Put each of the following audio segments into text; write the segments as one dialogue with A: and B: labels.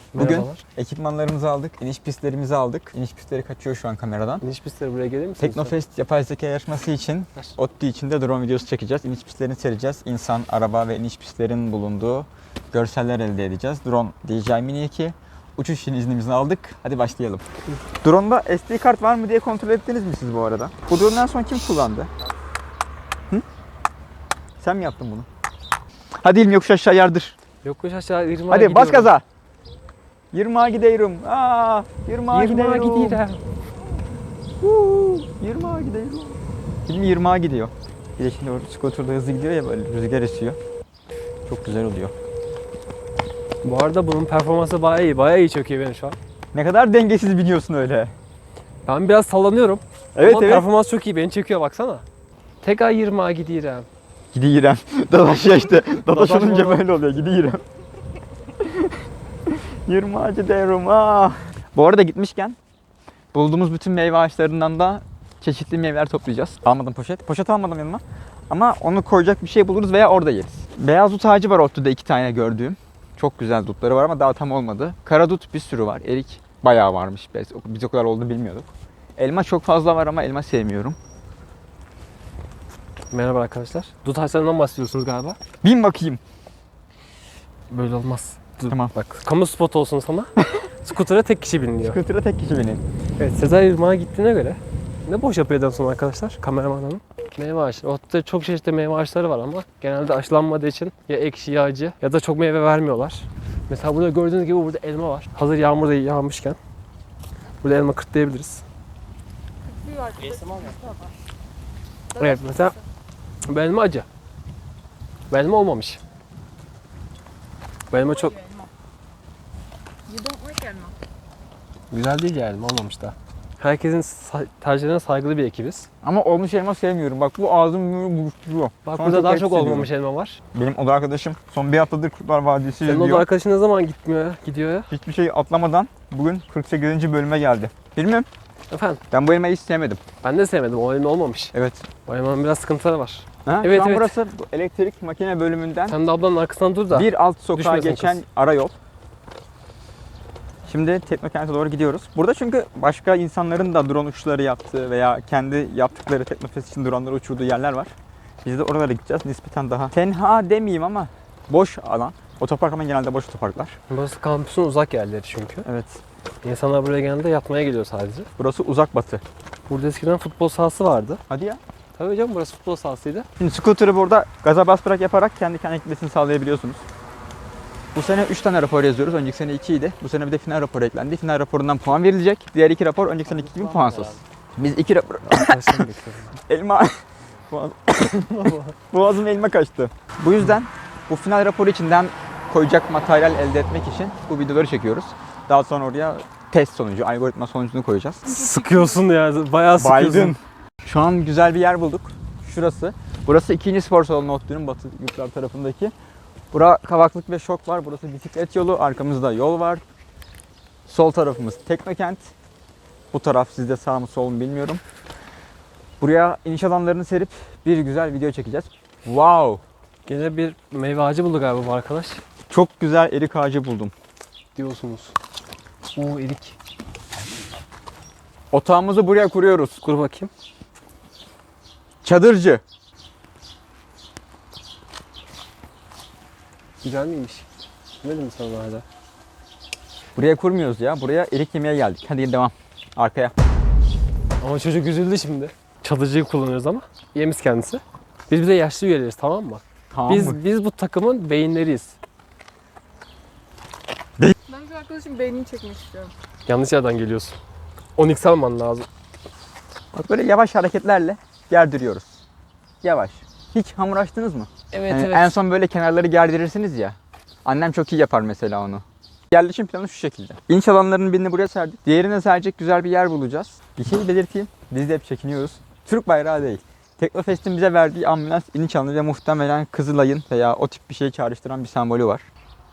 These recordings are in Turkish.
A: Bugün
B: Merhabalar.
A: ekipmanlarımızı aldık, iniş pistlerimizi aldık. İniş pistleri kaçıyor şu an kameradan.
B: İniş pistleri buraya gelir misiniz?
A: Teknofest yapay zeka yarışması için ODTÜ içinde drone videosu çekeceğiz. İniş pistlerini sereceğiz. İnsan, araba ve iniş pistlerin bulunduğu görseller elde edeceğiz. Drone DJI Mini 2. Uçuş iznimizi aldık. Hadi başlayalım. Drone'da SD kart var mı diye kontrol ettiniz mi siz bu arada? Bu drone'dan sonra kim kullandı? Hı? Sen mi yaptın bunu? Hadi İlmi yokuş aşağı yardır.
B: Yokuş aşağı 20'a
A: Hadi
B: gidiyorum.
A: bas gaza. 20'a gidiyorum. 20'a
B: 20'a
A: gidiyorum.
B: gidiyorum.
A: 20'a gidiyorum. Film 20'a gidiyor. Bir de şimdi o scooter'da hızlı gidiyor ya, böyle rüzgar esiyor. Çok güzel oluyor.
B: Bu arada bunun performansı bayağı iyi. Bayağı iyi çöküyor benim şu an.
A: Ne kadar dengesiz biniyorsun öyle.
B: Ben biraz sallanıyorum.
A: Evet
B: Ama
A: evet.
B: performans çok iyi. Beni çekiyor baksana. Tekrar 20'a gidiyorum.
A: Gidiyorum. Dadaş ya işte. Dadaş
B: Dadaş
A: olunca
B: mı?
A: böyle oluyor. Gidiyorum. 20'a gidiyorum. Bu arada gitmişken bulduğumuz bütün meyve ağaçlarından da çeşitli meyveler toplayacağız. Almadım poşet. Poşet almadım yanıma. Ama onu koyacak bir şey buluruz veya orada yeriz. Beyaz dut ağacı var ODTÜ'de 2 tane gördüğüm. Çok güzel dutları var ama daha tam olmadı. Kara dut bir sürü var. Erik bayağı varmış. Biz o kadar olduğunu bilmiyorduk. Elma çok fazla var ama elma sevmiyorum.
B: Merhaba arkadaşlar. Dut ağaçlarından bahsediyorsunuz galiba.
A: Bin bakayım.
B: Böyle olmaz. Dur,
A: Tamam.
B: bak kamu spotu olsun sana. Scooter'a tek kişi biniliyor.
A: Scooter'a tek kişi binin.
B: Evet, Sezai Irmak'a gittiğine göre ne boş yapıyor adam sonra arkadaşlar, kameraman hanım. Meyve ağaçları. Ortada çok çeşitli meyve ağaçları var ama genelde aşılanmadığı için ya ekşi ya acı ya da çok meyve vermiyorlar. Mesela burada gördüğünüz gibi burada elma var. Hazır yağmur da yağmışken burada elma kırtlayabiliriz. Evet, mesela bu elma acı. Bu elma olmamış. Bu elma çok
C: You don't like elma.
B: güzel değil yani, olmamış da. Herkesin tercihlerine saygılı bir ekibiz.
A: Ama olmuş elma sevmiyorum. Bak bu ağzım böyle buruşturuyor.
B: Bak
A: Şu an
B: burada daha
A: garip
B: çok
A: hissediyorum.
B: olmamış elma var.
A: Benim oda arkadaşım son bir haftadır Kurtlar Vadisi
B: Senin
A: izliyor.
B: o da arkadaşın ne zaman gidiyor ya?
A: Hiçbir şey atlamadan bugün 48. bölüme geldi. Bilmiyorum.
B: Efendim,
A: Ben bu elmayı hiç sevmedim.
B: ben de sevmedim. O elma olmamış.
A: Evet.
B: O elmanın biraz sıkıntıları var.
A: Ha?
B: Evet,
A: Şu an
B: evet.
A: burası bu elektrik makine bölümünden
B: Sen de ablanın arkasından dur da.
A: bir alt sokağa
B: düşmesin
A: geçen
B: kız.
A: ara yol. Şimdi Teknokent'e doğru gidiyoruz. Burada çünkü başka insanların da drone uçuşları yaptığı veya kendi yaptıkları Teknofest için droneları uçurduğu yerler var. Biz de oralara gideceğiz. Nispeten daha tenha demeyeyim ama boş alan. Otopark ama genelde boş otoparklar.
B: Burası kampüsün uzak yerleri çünkü.
A: Evet.
B: İnsanlar buraya genelde yatmaya geliyor sadece.
A: Burası uzak batı.
B: Burada eskiden futbol sahası vardı.
A: Hadi ya.
B: Tabii canım, burası futbol sahasıydı.
A: Şimdi scooter'ı burada gaza bas bırak yaparak kendi kendine gitmesini sağlayabiliyorsunuz. Bu sene 3 tane rapor yazıyoruz. Önceki sene 2 idi. Bu sene bir de final raporu eklendi. Final raporundan puan verilecek. Diğer 2 rapor önceki seneki gibi puansız. Biz 2 rapor...
B: Arkadaşlarım bekliyorum.
A: Elma... Boğazım elma kaçtı. Bu yüzden bu final raporu içinden koyacak materyal elde etmek için bu videoları çekiyoruz. Daha sonra oraya test sonucu, algoritma sonucunu koyacağız.
B: Sıkıyorsun ya, bayağı sıkıyorsun.
A: Baydın. Şu an güzel bir yer bulduk. Şurası. Burası 2. spor salonu ODTÜ'nün batı yurtlar tarafındaki. Bura kavaklık ve şok var. Burası bisiklet yolu. Arkamızda yol var. Sol tarafımız Teknokent. Bu taraf sizde sağ mı sol mu bilmiyorum. Buraya iniş alanlarını serip bir güzel video çekeceğiz. Wow!
B: Gene bir meyve ağacı buldu galiba bu arkadaş.
A: Çok güzel erik ağacı buldum.
B: Diyorsunuz. Oo, erik.
A: Otağımızı buraya kuruyoruz.
B: Kur bakayım.
A: Çadırcı.
B: Güzel miymiş? Ne dedim sana hala?
A: Buraya kurmuyoruz ya. Buraya erik yemeye geldik. Hadi devam. Arkaya.
B: Ama çocuk üzüldü şimdi. Çadırcıyı kullanıyoruz ama yemiz kendisi. Biz bir de yaşlı üyeleriz, tamam mı?
A: Tamam mı?
B: Biz bu takımın beyinleriyiz.
C: Ben şu arkadaşım beynini çekmek istiyorum.
B: Yanlış yerden geliyorsun. 10x alman lazım.
A: Bak böyle yavaş hareketlerle gerdiriyoruz. Yavaş. Hiç hamur açtınız mı?
B: Evet
A: Yani en son böyle kenarları gerdirirsiniz ya. Annem çok iyi yapar mesela onu. Yerleşim planı şu şekilde. İnç alanlarının birini buraya serdik. Diğerine serecek güzel bir yer bulacağız. Bir şey belirteyim. Biz de hep çekiniyoruz. Türk bayrağı değil. Teknofest'in bize verdiği ambulans iniş alanı ve muhtemelen Kızılay'ın veya o tip bir şeyi çağrıştıran bir sembolü var.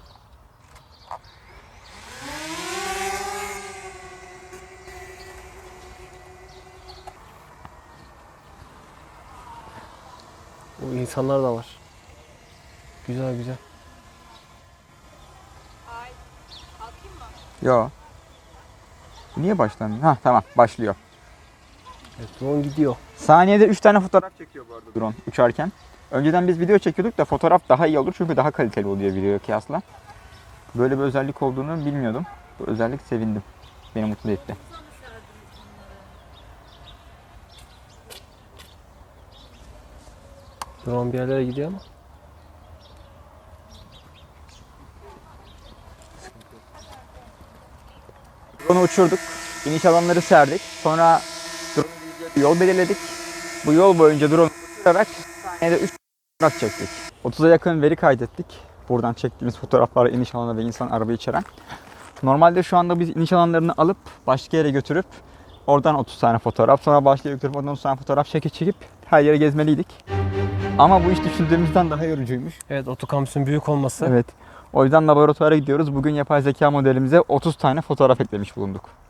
B: O insanlar da var. Güzel güzel.
C: Ay, kalkayım mı?
A: Yo. Niye başlamıyor? Ha tamam başlıyor.
B: Evet, drone gidiyor.
A: Saniyede 3 tane fotoğraf çekiyor bu arada drone uçarken. Önceden biz video çekiyorduk da fotoğraf daha iyi olur çünkü daha kaliteli oluyor videoya kıyasla. Böyle bir özellik olduğunu bilmiyordum. Bu özellik sevindim. Beni mutlu etti.
B: Drone bir yerlere gidiyor ama.
A: Drone'u uçurduk. İniş alanları serdik. Sonra drone'un gideceği bir yol belirledik. Bu yol boyunca drone'u uçurarak saniyede 3 fotoğraf çektik. 30'a yakın veri kaydettik. Buradan çektiğimiz fotoğraflar iniş alanı ve insan arabayı içeren. Normalde şu anda biz iniş alanlarını alıp başka yere götürüp oradan 30 tane fotoğraf, sonra başka yere götürüp oradan 30 tane fotoğraf çekip her yere gezmeliydik. Ama bu iş düşündüğümüzden daha yorucuymuş.
B: Evet, otokampüsün büyük olması.
A: Evet. O yüzden laboratuvara gidiyoruz. Bugün yapay zeka modelimize 30 tane fotoğraf eklemiş bulunduk.